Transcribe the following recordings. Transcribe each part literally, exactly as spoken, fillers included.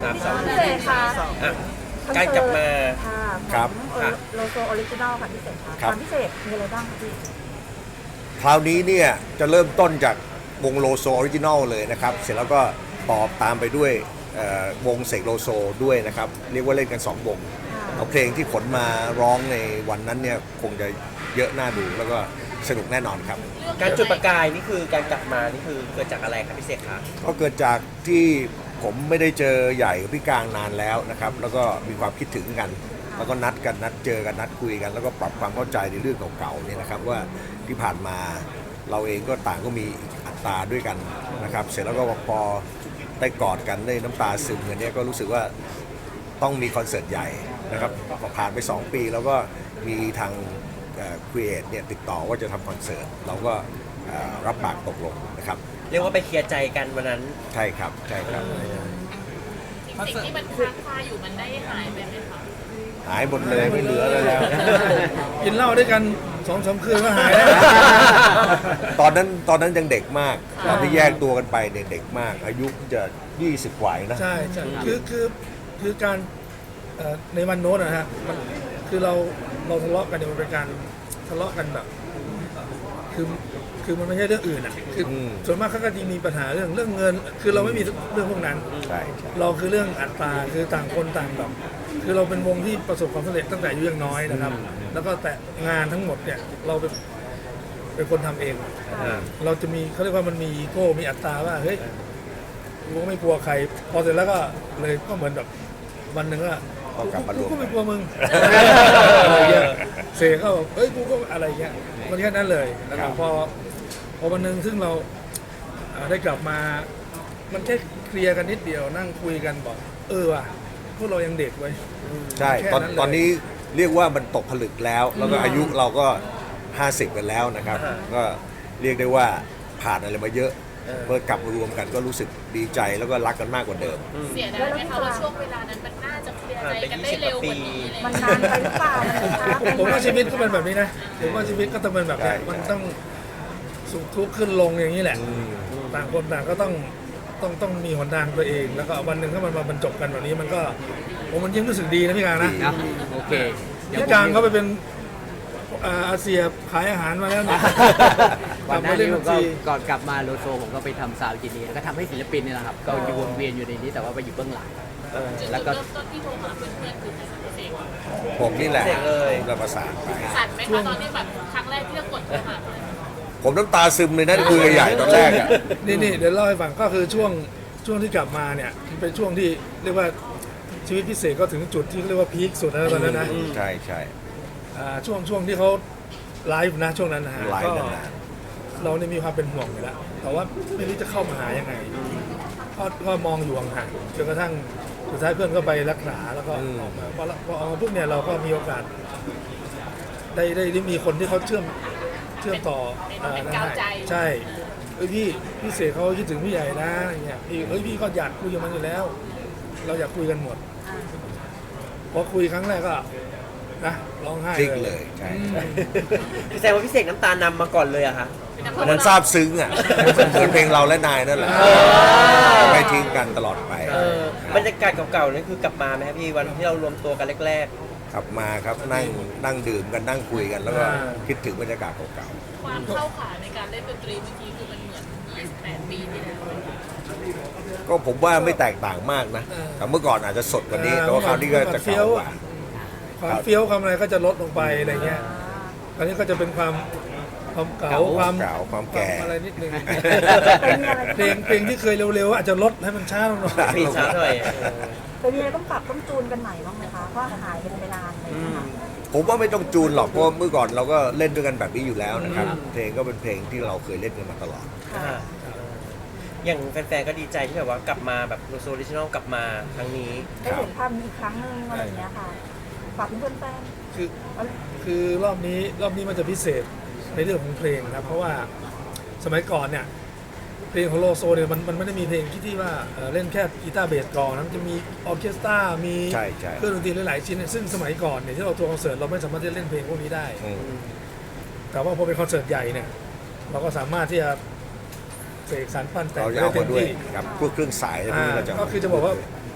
ามสองพิเศษค่ะอ่ะการกลับมาค่ะครับของโลโซออริจินอลค่ะพิเศษค่ะครับความพิเศษมีอะไรบ้างคะพี่คราวนี้เนี่ยจะเริ่มต้นจากวงโลโซออริจินอลเลยนะครับเสร็จแล้วก็ตอบตามไปด้วยเอ่อวงเสกโลโซด้วยนะครับเรียกว่าเล่นกันสองวงเอาเพลงที่ขนมาร้องในวันนั้นเนี่ยคงจะเยอะน่าดูแล้วก็สนุกแน่นอนครับการจุดประกายนี่คือการกลับมานี่คือเกิดจากอะไรครับพี่เสกคะก็เกิดจากที่ผมไม่ได้เจอใหญ่กับพี่กลางนานแล้วนะครับแล้วก็มีความคิดถึงกัน แล้วก็นัดกันนัดเจอกันนัดคุยกัน แล้วก็ปรับความเข้าใจในเรื่องเก่าๆเนี่ยนะครับว่าที่ผ่านมาเราเองก็ต่างก็มีอัตราด้วยกันนะครับเสร็จแล้วก็พอได้กอดกันได้น้ำตาซึมกันเนี่ยก็รู้สึกว่าต้องมีคอนเสิร์ตใหญ่นะครับพอผ่านไปสองปีแล้วก็มีทางครีเอทเนี่ยติดต่อว่าจะทำคอนเสิร์ตเราก็เอ่อรับปากตกลงนะครับเรียกว่าไปเคลียร์ใจกันวันนั้นใช่ครับใช่ครับสิ่งที่มันค้างคาอยู่มันได้หายไปไหมคะหายหมดเลยไม่เหลืออะไรแล้วกินเหล้าด้วยกันสองสามคืนก็หายแล้วตอนนั้นตอนนั้นยังเด็กมากตอนที่แยกตัวกันไปเนี่ยเด็กมาก อายุจะยี่สิบกว่าเองนะใช่ใช่คือคือคือการเอ่อในวันโน้นนะฮะมันคือเราเราทะเลาะกันเนี่ยมันเป็นการทะเลาะกันแบบคือคือมันไม่ใช่เรื่องอื่นอ่ะคืออมส่วนมากเขาก็จะมีปัญหาเรื่องเรื่องเงิน คือเราไม่มีเรื่องพวกนั้นใช่ใช่เราคือเรื่องอัตราคือต่างคนต่างแบบคือเราเป็นวงที่ประสบความสำเร็จตั้งแต่อายุยังน้อยนะครับ แล้วก็แต่งานทั้งหมดเนี่ยเราเป็นเป็นคนทำเอง เราจะมีเขาเรียกว่ามันมีอีโก้มีอัตราว่าเฮ้ยกูก็ไม่กลัวใคร พอเสร็จแล้วก็เลยก็เหมือนแบบวันหนึ่งก็ก็กลับมารกูวมก็กัไม่นกลัวมึงอะไรเงี้ยเสกก็บอกเฮ้ยกูก็อะไรเงี้ยมันแค่นั้นเลยแล้วก็พอพอวันหนึ่งซึ่งเราอ่าได้กลับมา มันแค่เคลียร์กันนิดเดียวนั่งคุยกันบอกเออว่ะพวกเรายังเด็กไว้ยใช่ตอนแค่นั้นเลยตอนนี้เรียกว่ามันตกผลึกแล้ว แล้วก็อายุเราก็ห้าสิบกันแล้วนะครับ ก็เรียกได้ว่าผ่านอะไรมาเยอะเมื่อกลับมารวมกันก็รู้สึกดีใจแล้วก็รักกันมากกว่าเดิมเสียดายไหมคะว่าช่วงเวลานั้นมันน่าจะเคลียร์ใจกันได้เร็วกว่านี้อะไรอย่างมันเงี้ยนานไปหรือเปล่าคะผมว่าชีวิตก็เป็นแบบนี้นะผมว่าชีวิตก็ต้องเป็นแบบนี้ใช่มันต้องสุขทุกข์ขึ้นลงอย่างนี้แหละอืมต่างคนต่างก็ต้องต้องต้องมีหนทางตัวเอง แล้วก็วันหนึ่งถ้ามันมาบรรจบกันแบบนี้มันก็ผมมันยิ่งรู้สึกดีนะพี่กลางนะนะโอเคเดี๋ยวพี่กลางเขาไปเป็นอ่าอาเซียขายอาหารมาแล้วเนี่ยกวัลันบหมาน้าเล่นนี้ผบัมญก็ชีก่อนกลับมาโลโซผมก็ไปทำซาวด์จินีแล้วก็ทำให้ศิลปินนี่แหละครับก็อยู่วนเวียนอยู่ในนี้แต่ว่าไปอยู่เบื้องหลังจุดแล้วก็เริ่มต้นที่โทรหาเพื่อนๆคือใครคะพี่เสกผมนี่แหละเสกเลยผมก็ประสานไปสั่นไหมคะตอนที่แบบครั้งแรกที่เรากดโทรหาเขาผมน้ำตาซึมเลยนะคุยกับใหญ่ตอนแรกอะนี่นี่เดี๋ยวเล่าให้ฟังก็คือช่วงช่วงที่กลับมาเนี่ยเป็นช่วงที่เรียกว่าชีวิตพิเศษก็ถึงจุดที่เรียกว่าพีคสุดแล้วตอนนั้นนะใช่ใช่อ่าช่วงช่วงที่เขาไลฟ์นะช่วงนั้นนะฮะไลฟ์ก็นานเราเนี่ยมีความเป็นห่วงอยู่แล้วแต่ว่าไม่รู้จะเข้ามาหายังไงก็ก็มองอยู่ห่างๆจนกระทั่งสุดท้ายเพื่อนก็ไปรักษาแล้วก็ออกมาพอพอออกมาปุ๊บเนี่ยเราก็มีโอกาส ได้ได้ได้มีคนที่เขาเชื่อมเชื่อมต่ออ่านะฮะใช่เอ้ยพี่พี่เสกเขาคิดถึงพี่ใหญ่นะอย่างเงี้ยพี่เอ้ยพี่ก็อยากคุยกับมันอยู่แล้ว เราอยากคุยกันหมดพอคุยครั้งแรกก็นะร้องไห้ๆคลิกเลยใช่อืมแสดงว่าพี่เสกน้ำตานำมาก่อนเลยอะคะอันนั้นซาบซึ้งอ่ะเหมือนเพลงเราและนายนั่นแหละไม่ทิ้งกันตลอดไปเออบรรยากาศเก่าๆนี่คือกลับมาไหมครับพี่วันที่เรารวมตัวกันแรกกลับมาครับนั่งนั่งดื่มกันนั่งคุยกัน แล้วก็คิดถึงบรรยากาศเก่าความเข้าขาในการเล่นดนตรีเมื่อกี้คือมันเหมือนยี่สิบแปดปีที่แล้วๆก็ผมว่าไม่แตกต่างมากนะแต่เมื่อก่อนอาจจะสดกว่านี้แต่ว่าคราวนี้ก็จะเก่ากว่าความเฟี้ยวความอะไรก็จะลดลงไปอะไรเงี้ยอันนี้ก็จะเป็นความความเก่าความเก่าความแก่ความอะไรนิดนึงเพลงเพลงที่เคยเร็วๆอาจจะลดให้มันช้าลงหน่อยๆพี่ช้าหน่อยเป็นยังไงต้องปรับต้องจูนกันใหม่บ้างไหมคะเพราะหายกันไปนานเลยนะคะผมว่าไม่ต้องจูนหรอกเพราะเมื่อก่อนเราก็เล่นด้วยกันแบบนี้อยู่แล้วนะครับเพลงก็เป็นเพลงที่เราเคยเล่นกันมาตลอดอ่าอย่างแฟนๆก็ดีใจที่แบบว่ากลับมาแบบโลโซออริจินอลกลับมาครั้งนี้ได้เห็นภาพนี้อีกครั้งหนึงอะไรอย่างเงี้ยค่ะฝากเพื่อนๆแฟนคือคือรอบนี้รอบนี้มันจะพิเศษในเรื่องของเพลงนะเพราะว่าสมัยก่อนเนี่ยเพลงของโลโซเนี่ยมันมันไม่ได้มีเพลงที่ที่ว่าเอ่อเล่นแค่กีตาร์เบสกลองนะมันจะมีออร์เคสตรา มีใช่ใช่เครื่องดนตรีหลายๆชิ้นเนี่ยซึ่งสมัยก่อนเนี่ยที่เราทัวร์คอนเสิร์ตเราไม่สามารถที่จะเล่นเพลงพวกนี้ได้อืมแต่ว่าพอเป็นคอนเสิร์ตใหญ่เนี่ยเราก็สามารถที่จะเสกสรรปั้นแต่งเราจะได้เอาเต็มาม ด้วยที่ครับพวกเครื่องสายอะไรพวกอ่านี้เราจะก็คือจะบอกว่า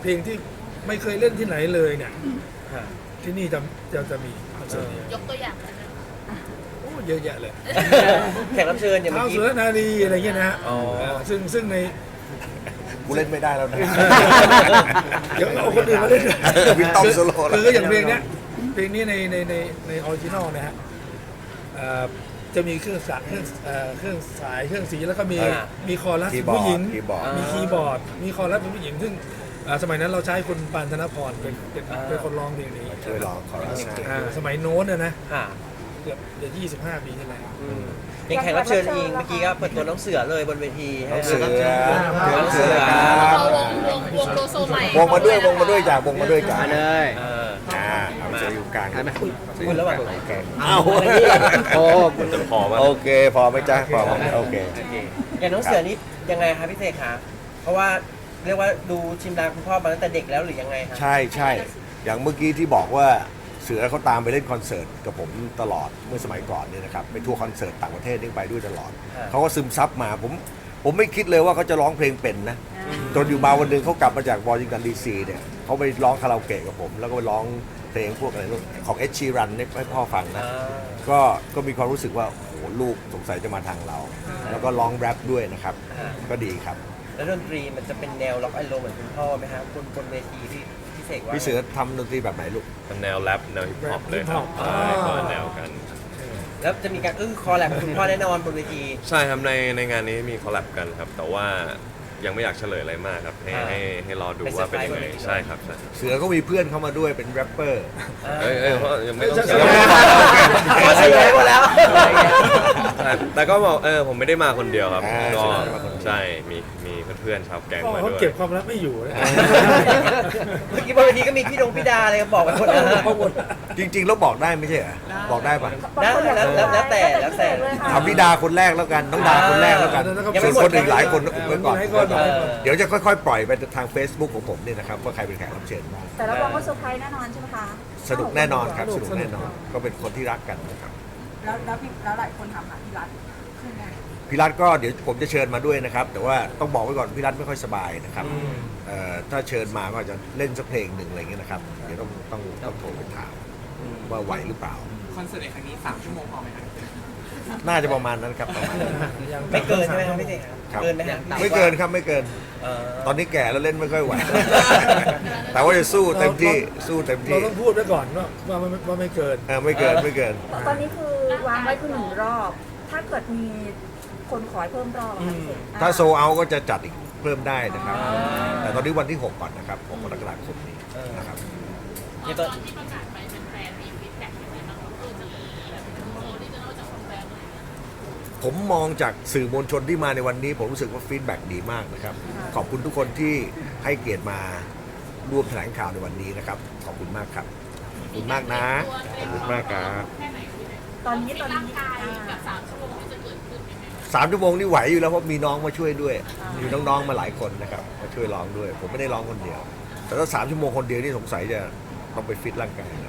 เพลงที่ไม่เคยเล่นที่ไหนเลยเนี่ยค่ะที่นี่จะจะจะมีคอนเสิร์ตนี้ยกตัวอย่างนะโอ้เยอะแยะเลยแขกรับเชิญอย่างเมื่ท้าอวกี้สุรนารีอะไรเงี้ยนะฮะอ๋อเออซึ่งซึ่งในกูเล่นไม่ได้แล้วนะเดี๋ยวเอาคนอื่นมาเล่นวินต้องโซโล่แล้วคืออย่างเพลงเนี้ยเพลงนี้ในในในในออริจินอลนะฮะเอ่อจะมีเครื่องสายเครื่องเอ่อเครื่องสายเครื่องสีแล้วก็มีอ่ามีคอรัสคีย์บอร์ดผู้หญิงคีย์บอร์ดมีคีย์บอร์ด มีคอรัสเป็นผู้หญิง ซึ่งเอ่อสมัยนั้นเราใช้คุณปานธนพรเป็นเป็นเป็นคนร้องเพลงนี้ช่วยร้องคอรัสให้อ่าสมัยโน้นนะนะค่ะเกือบจะยี่สิบห้าปีที่แล้วอืมอย่างแขกรับเชิญเองเมื่อกี้ก็เปิดตัวน้องเสือเลยบนเวทีน้องเสือน้องเสือเราวงวงวงโลโซใหม่วงมาด้วยวงมาด้วยจ้ะวงมาด้วยจ้ะมาเลยเอออ่าเอาเสืออยู่กลางได้ไหมเสืออยู่กลางโอเคเอาโอ้จะพอไหมโอเค พอไหมจ๊ะพอไหมโอเคโอเคอย่างน้องเสือนี่ยังไงคะพี่เสกคะเพราะว่าเรียกว่าดูชิมลางคุณพ่อมาตั้งแต่เด็กแล้วหรือยังไงคะใช่ใช่อย่างเมื่อกี้ที่บอกว่าเสือเขาตามไปเล่นคอนเสิร์ตกับผมตลอดเมื่อสมัยก่อนเนี่ยนะครับไปทัวร์คอนเสิร์ตต่างประเทศนี่ไปด้วยตลอดเขาก็ซึมซับมาผมผมไม่คิดเลยว่าเขาจะร้องเพลงเป็นนะจนอยู่มาวันหนึ่งเขากลับมาจากวอชิงตันดีซีเนี่ยเขาไปร้องคาราโอเกะกับผม แล้วก็ไปร้องเพลงพวกอะไรนู่นของเอชชีรันให้พ่อฟังนะอ่าก็ก็มีความรู้สึกว่าโอ้โหลูกสงสัยจะมาทางเรา แล้วก็ร้องแรปด้วยนะครับอ่าก็ดีครับแล้วดนตรีมันจะเป็นแนวล็อกไอโลเหมือนคุณพ่อไหมครับบนบนเวทีที่พี่เสกว่าพี่เสือทำดนตรีแบบไหนลูกเป็นแนวแรปแนวฮิปฮอปเลยครับอ๋อใช่คนละแนวกันแล้วจะมีการอื้อคอแลบกับคุณพ่อแน่นอนบนเวทีใช่ครับในในงานนี้มีคอลแลบกันครับ แต่ว่ายังไม่อยากเฉลยอะไรมากครับ ให้อ่าให้ให้รอดูว่าเป็นยังไงเป็นเซอร์ไพรส์ใช่ครับใช่เสือก็มีเพื่อนเข้ามาด้วยเป็นแรปเปอร์เอ้ยเอ้ยเพราะยังไม่ต้องใช่เฉลยขอเฉลยหมดแล้วแต่แต่ก็บอกเออผมไม่ได้มาคนเดียวครับอ่าก็ใช่มาคนเดียวใช่มีมีเพื่อนๆชาวแก๊งพ่อมาเขาด้วยเก็บความลับไม่อยู่นะเมื่อกี้บนเวทีก็มีพี่ดงพี่ดาอะไรบอกไปหมดแล้วเขาหมดจริงๆแล้วบอกได้ไม่ใช่เหรอบอกได้ปะได้แล้วแล้วแล้วแต่แล้วแต่เอาพี่ดาคนแรกแล้วกันน้องดาคนแรกแล้วกันยังส่ไม่วนหมดคนอื่นหลายคนอุบไว้ก่อนให้ก่อนเออเดี๋ยวจะค่อยๆ ปล่อยไปทาง Facebook ของผมเนี่ยนะครับว่าใครเป็นแขกรับเชิญบ้างแต่รับรองว่าเซอร์ไพรส์แน่นอนใช่ไหมคะสนุกแน่นอนครับสนุกแน่นอนก็เป็นคนที่รักกันนะครับแล้วแล้วพี่แล้วหลายคนถามหาพี่รัฐขึ้นไงพี่รัตก็เดี๋ยวผมจะเชิญมาด้วยนะครับ แต่ว่าต้องบอกไว้ก่อนพี่รัตไม่ค่อยสบายนะครับเอ่อถ้าเชิญมาก็อาจจะเล่นสักเพลงหนึ่งอะไรเงี้ยนะครับเดี๋ยวต้องต้องต้องโทรไปถามว่าไหวหรือเปล่าคอนเสิร์ตในครั้งนี้สามชั่วโมงพอไหมครับน่าจะประมาณนั้นครับประมาณนั้นไม่เกินใช่ไหมครับพี่เสกครับเกินไหมฮะไม่เกินครับไม่เกินเออตอนนี้แก่แล้วเล่นไม่ค่อยไหว แต่ว่าจะสู้เต็มที่สู้เต็มเราที่ต้องพูดไว้ก่อนว่าว่าไม่ว่าไม่เกินเออไม่เกินไม่เกินตอนนี้คือวางไว้คือหนึ่งรอบ ถ้าเกิดมีคนขอให้เพิ่มรอบอะค่ะพี่เสกถ้าโซเอาก็จะจัดอีกเพิ่มได้นะครับ แต่ตอนนี้วันที่หกก่อนนะครับหกกรกฎาคมนี้นะครับอย่างตตออนนที่ประกาศไปแฟนๆมีฟีดแบ็กยังไงบ้างครับคือจะมีแบบโชว์ที่จะนอกจากแฟนๆอะไรอย่างเงี้ยผมมองจากสื่อมวลชนที่มาในวันนี้ ผมรู้สึกว่าฟีดแบ็กดีมากนะครับ ขอบคุณทุกคนที่ให้เกียรติมาร่วมแถลงข่าวในวันนี้นะครับ ขอบคุณมากครับ ขอบคุณมากนะ ขอบคุณมากครับตอนนี้ตอนร่างนี้กายอ่ากับสามชั่วโมงที่จะเกิดขึ้นเป็นไงบ้างสามชั่วโมงนี่ไหวอยู่แล้วเพราะมีน้องมาช่วยด้วย มีน้องๆมาหลายคนนะครับมาช่วยร้องด้วย ผมไม่ได้ร้องคนเดียว แต่ถ้าสามชั่วโมงคนเดียวนี่สงสัยจะต้องไปฟิตร่างกายนะ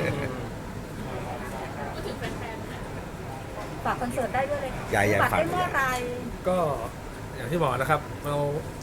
พูดถึงแฟนๆนะฝากคอนเสิร์ตได้ด้วยเลยค่ะอย่าอย่าบัตรฝากได้เมื่อไหรก็อย่างที่บอกนะครับเรา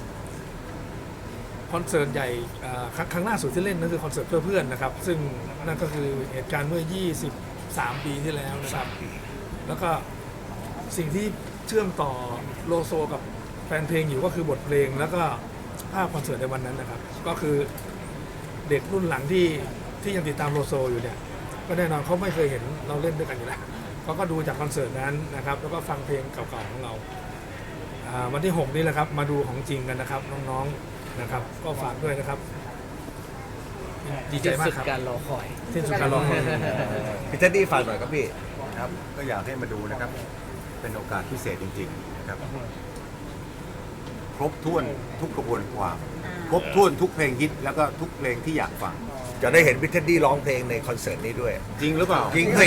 คอนเสิร์ตใหญ่อ่าครั้งครั้งล่าสุดที่เล่นนั่นคือคอนเสิร์ตเพื่อเพื่อนนะครับ ซึ่งนั่นก็คือเหตุการณ์เมื่อ ยี่สิบสาม ปีที่แล้วนะครับ แล้วก็สิ่งที่เชื่อมต่อโลโซกับแฟนเพลงอยู่ก็คือบทเพลงแล้วก็ภาพคอนเสิร์ตในวันนั้นนะครับ ก็คือเด็กรุ่นหลังที่ที่ยังติดตามโลโซอยู่เนี่ยก็แน่นอนเขาไม่เคยเห็นเราเล่นด้วยกันอยู่แล้วเขาก็ดูจากคอนเสิร์ตนั้นนะครับ แล้วก็ฟังเพลงเก่าๆของเราอ่าวันที่หกนี่แหละครับมาดูของจริงกันนะครับน้องๆนะครับ ก็ฝากด้วยนะครับดีใจมากสุดครับการรอคอยที่สุดการรอคอยพี่เท็ดดี้ฝากหน่อยครับพี่ครับก็อยากให้มาดูนะครับ เป็นโอกาสพิเศษจริงๆนะครับ ครบถ้วนทุกกระบวนความ ครบถ้วนทุกเพลงฮิตแล้วก็ทุกเพลงที่อยากฟังจะได้เห็นพี่เท็ดดี้ร้องเพลงในคอนเสิร์ตนี้ด้วยจริงหรือเปล่าจริงสิ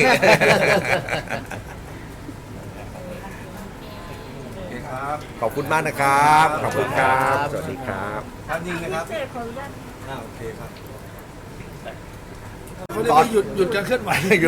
โอเคครับขอบคุณมากนะครับ ขอบคุณครับ สวัสดีครับครับจริงนะครับพี่เสกขออนุญาตอ่าโอเคครับเขาเรียกว่าหยุดหยุดการเคลื่อนไหวอยู่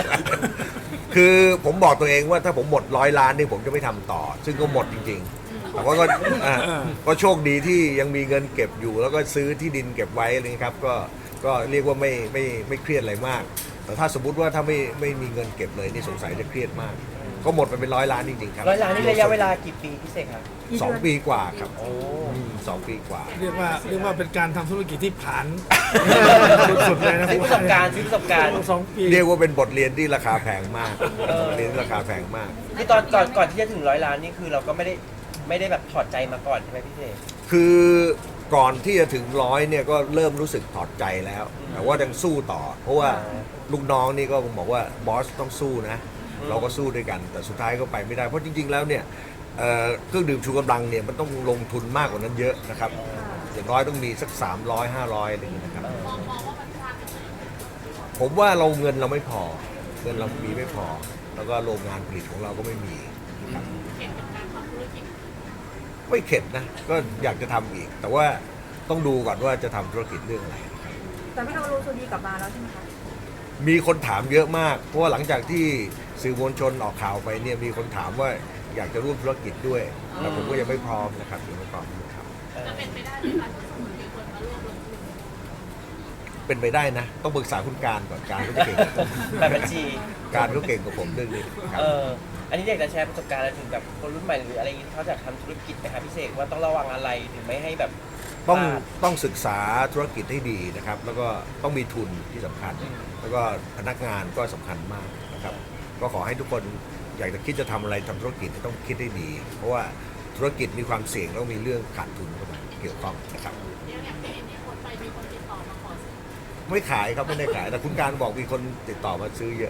คือผมบอกตัวเองว่าถ้าผมหมดร้อยล้านนี่ผมจะไม่ทำต่อ ซึ่งก็หมดจริงๆแต่ว่าก็อ่าก็โชคดีที่ยังมีเงินเก็บอยู่ แล้วก็ซื้อที่ดินเก็บไว้อะไรเลยครับก็ก็เรียกว่าไม่ไม่ไม่เครียดอะไรมาก แต่ถ้าสมมติว่าถ้าไม่ไม่มีเงินเก็บเลยนี่สงสัยจะเครียดมากก็หมดไปเป็นร้อยล้านจริงๆครับร้อยล้านนี่ระยะเวลากี่ปีพี่เสกครับสองปีกว่าครับโอ้อืมสองปีกว่าเรียกว่าเรียกว่าเป็นการทำธุรกิจที่ผ่านสุดๆเลยนะซื้อประสบการณ์ซื้อประสบการณ์สองปีเรียกว่าเป็นบทเรียนที่ราคาแพงมากเออบทเรียนที่ราคาแพงมากคือตอนก่อนก่อนที่จะถึงร้อยล้านนี่คือเราก็ไม่ได้ไม่ได้แบบถอดใจมาก่อนใช่ไหมพี่เสกคือก่อนที่จะถึงร้อยเนี่ยก็เริ่มรู้สึกถอดใจแล้ว แต่ว่ายังสู้ต่อ เพราะว่าลูกน้องนี่ก็บอกว่าบอสต้องสู้นะ เราก็สู้ด้วยกัน แต่สุดท้ายก็ไปไม่ได้ เพราะจริงๆแล้วเนี่ยเอ่อเครื่องดื่มชูกำลังเนี่ยมันต้องลงทุนมากกว่านั้นเยอะนะครับอย่างน้อยต้องมีสักสามร้อย ห้าร้อยอะไรอย่างเงี้ยนะครับมองมองว่ามันพลาดกันเลยผมว่าเราเงินเราไม่พอ เงินเรามีไม่พอ แล้วก็โรงงานผลิตของเราก็ไม่มีนะครับเห็นเป็นการทำธุรกิจไม่เข็ดนะ ก็อยากจะทำอีก แต่ว่าต้องดูก่อนว่าจะทำธุรกิจเรื่องอะไรแต่ไม่เอาโรซูดีกลับมาแล้วใช่ไหมคะมีคนถามเยอะมาก เพราะว่าหลังจากที่สื่อมวลชนออกข่าวไปเนี่ยมีคนถามว่าอยากจะร่วมธุรกิจด้วย แต่ผมก็ยังไม่พร้อมนะครับยังไม่พร้อมครับจะเป็นไปได้ไหมคะที่สมมติมีคนมาร่วมลงทุนเป็นไปได้นะ ต้องปรึกษาคุณการก่อนการเขาเก่งกว่าผมแบบบัญชีการเขาเก่งกว่าผมเรื่องนี้ครับเอออันนี้อยากจะแชร์ประสบการณ์อะไรถึงกับคนรุ่นใหม่หรืออะไรอย่างนี้ที่เขาจะทำธุรกิจไหมครับพี่เสกว่าต้องระวังอะไรถึงไม่ให้แบบต้องพลาดต้องศึกษาธุรกิจให้ดีนะครับ แล้วก็ต้องมีทุนที่สำคัญ แล้วก็พนักงานก็สำคัญมากนะครับ ก็ขอให้ทุกคนอยากจะคิดจะทำอะไรทำธุรกิจต้องคิดให้ดี เพราะว่าธุรกิจมีความเสี่ยงแล้วมีเรื่องขาดทุนเข้ามาเกี่ยวข้องนะครับเดี๋ยวอย่างที่นี่คนไปมีคนติดต่อมาขอซื้อไม่ขายครับไม่ได้ขาย แต่คุณการบอกมีคนติดต่อมาซื้อเยอะ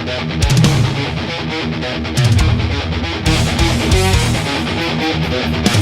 Thank you.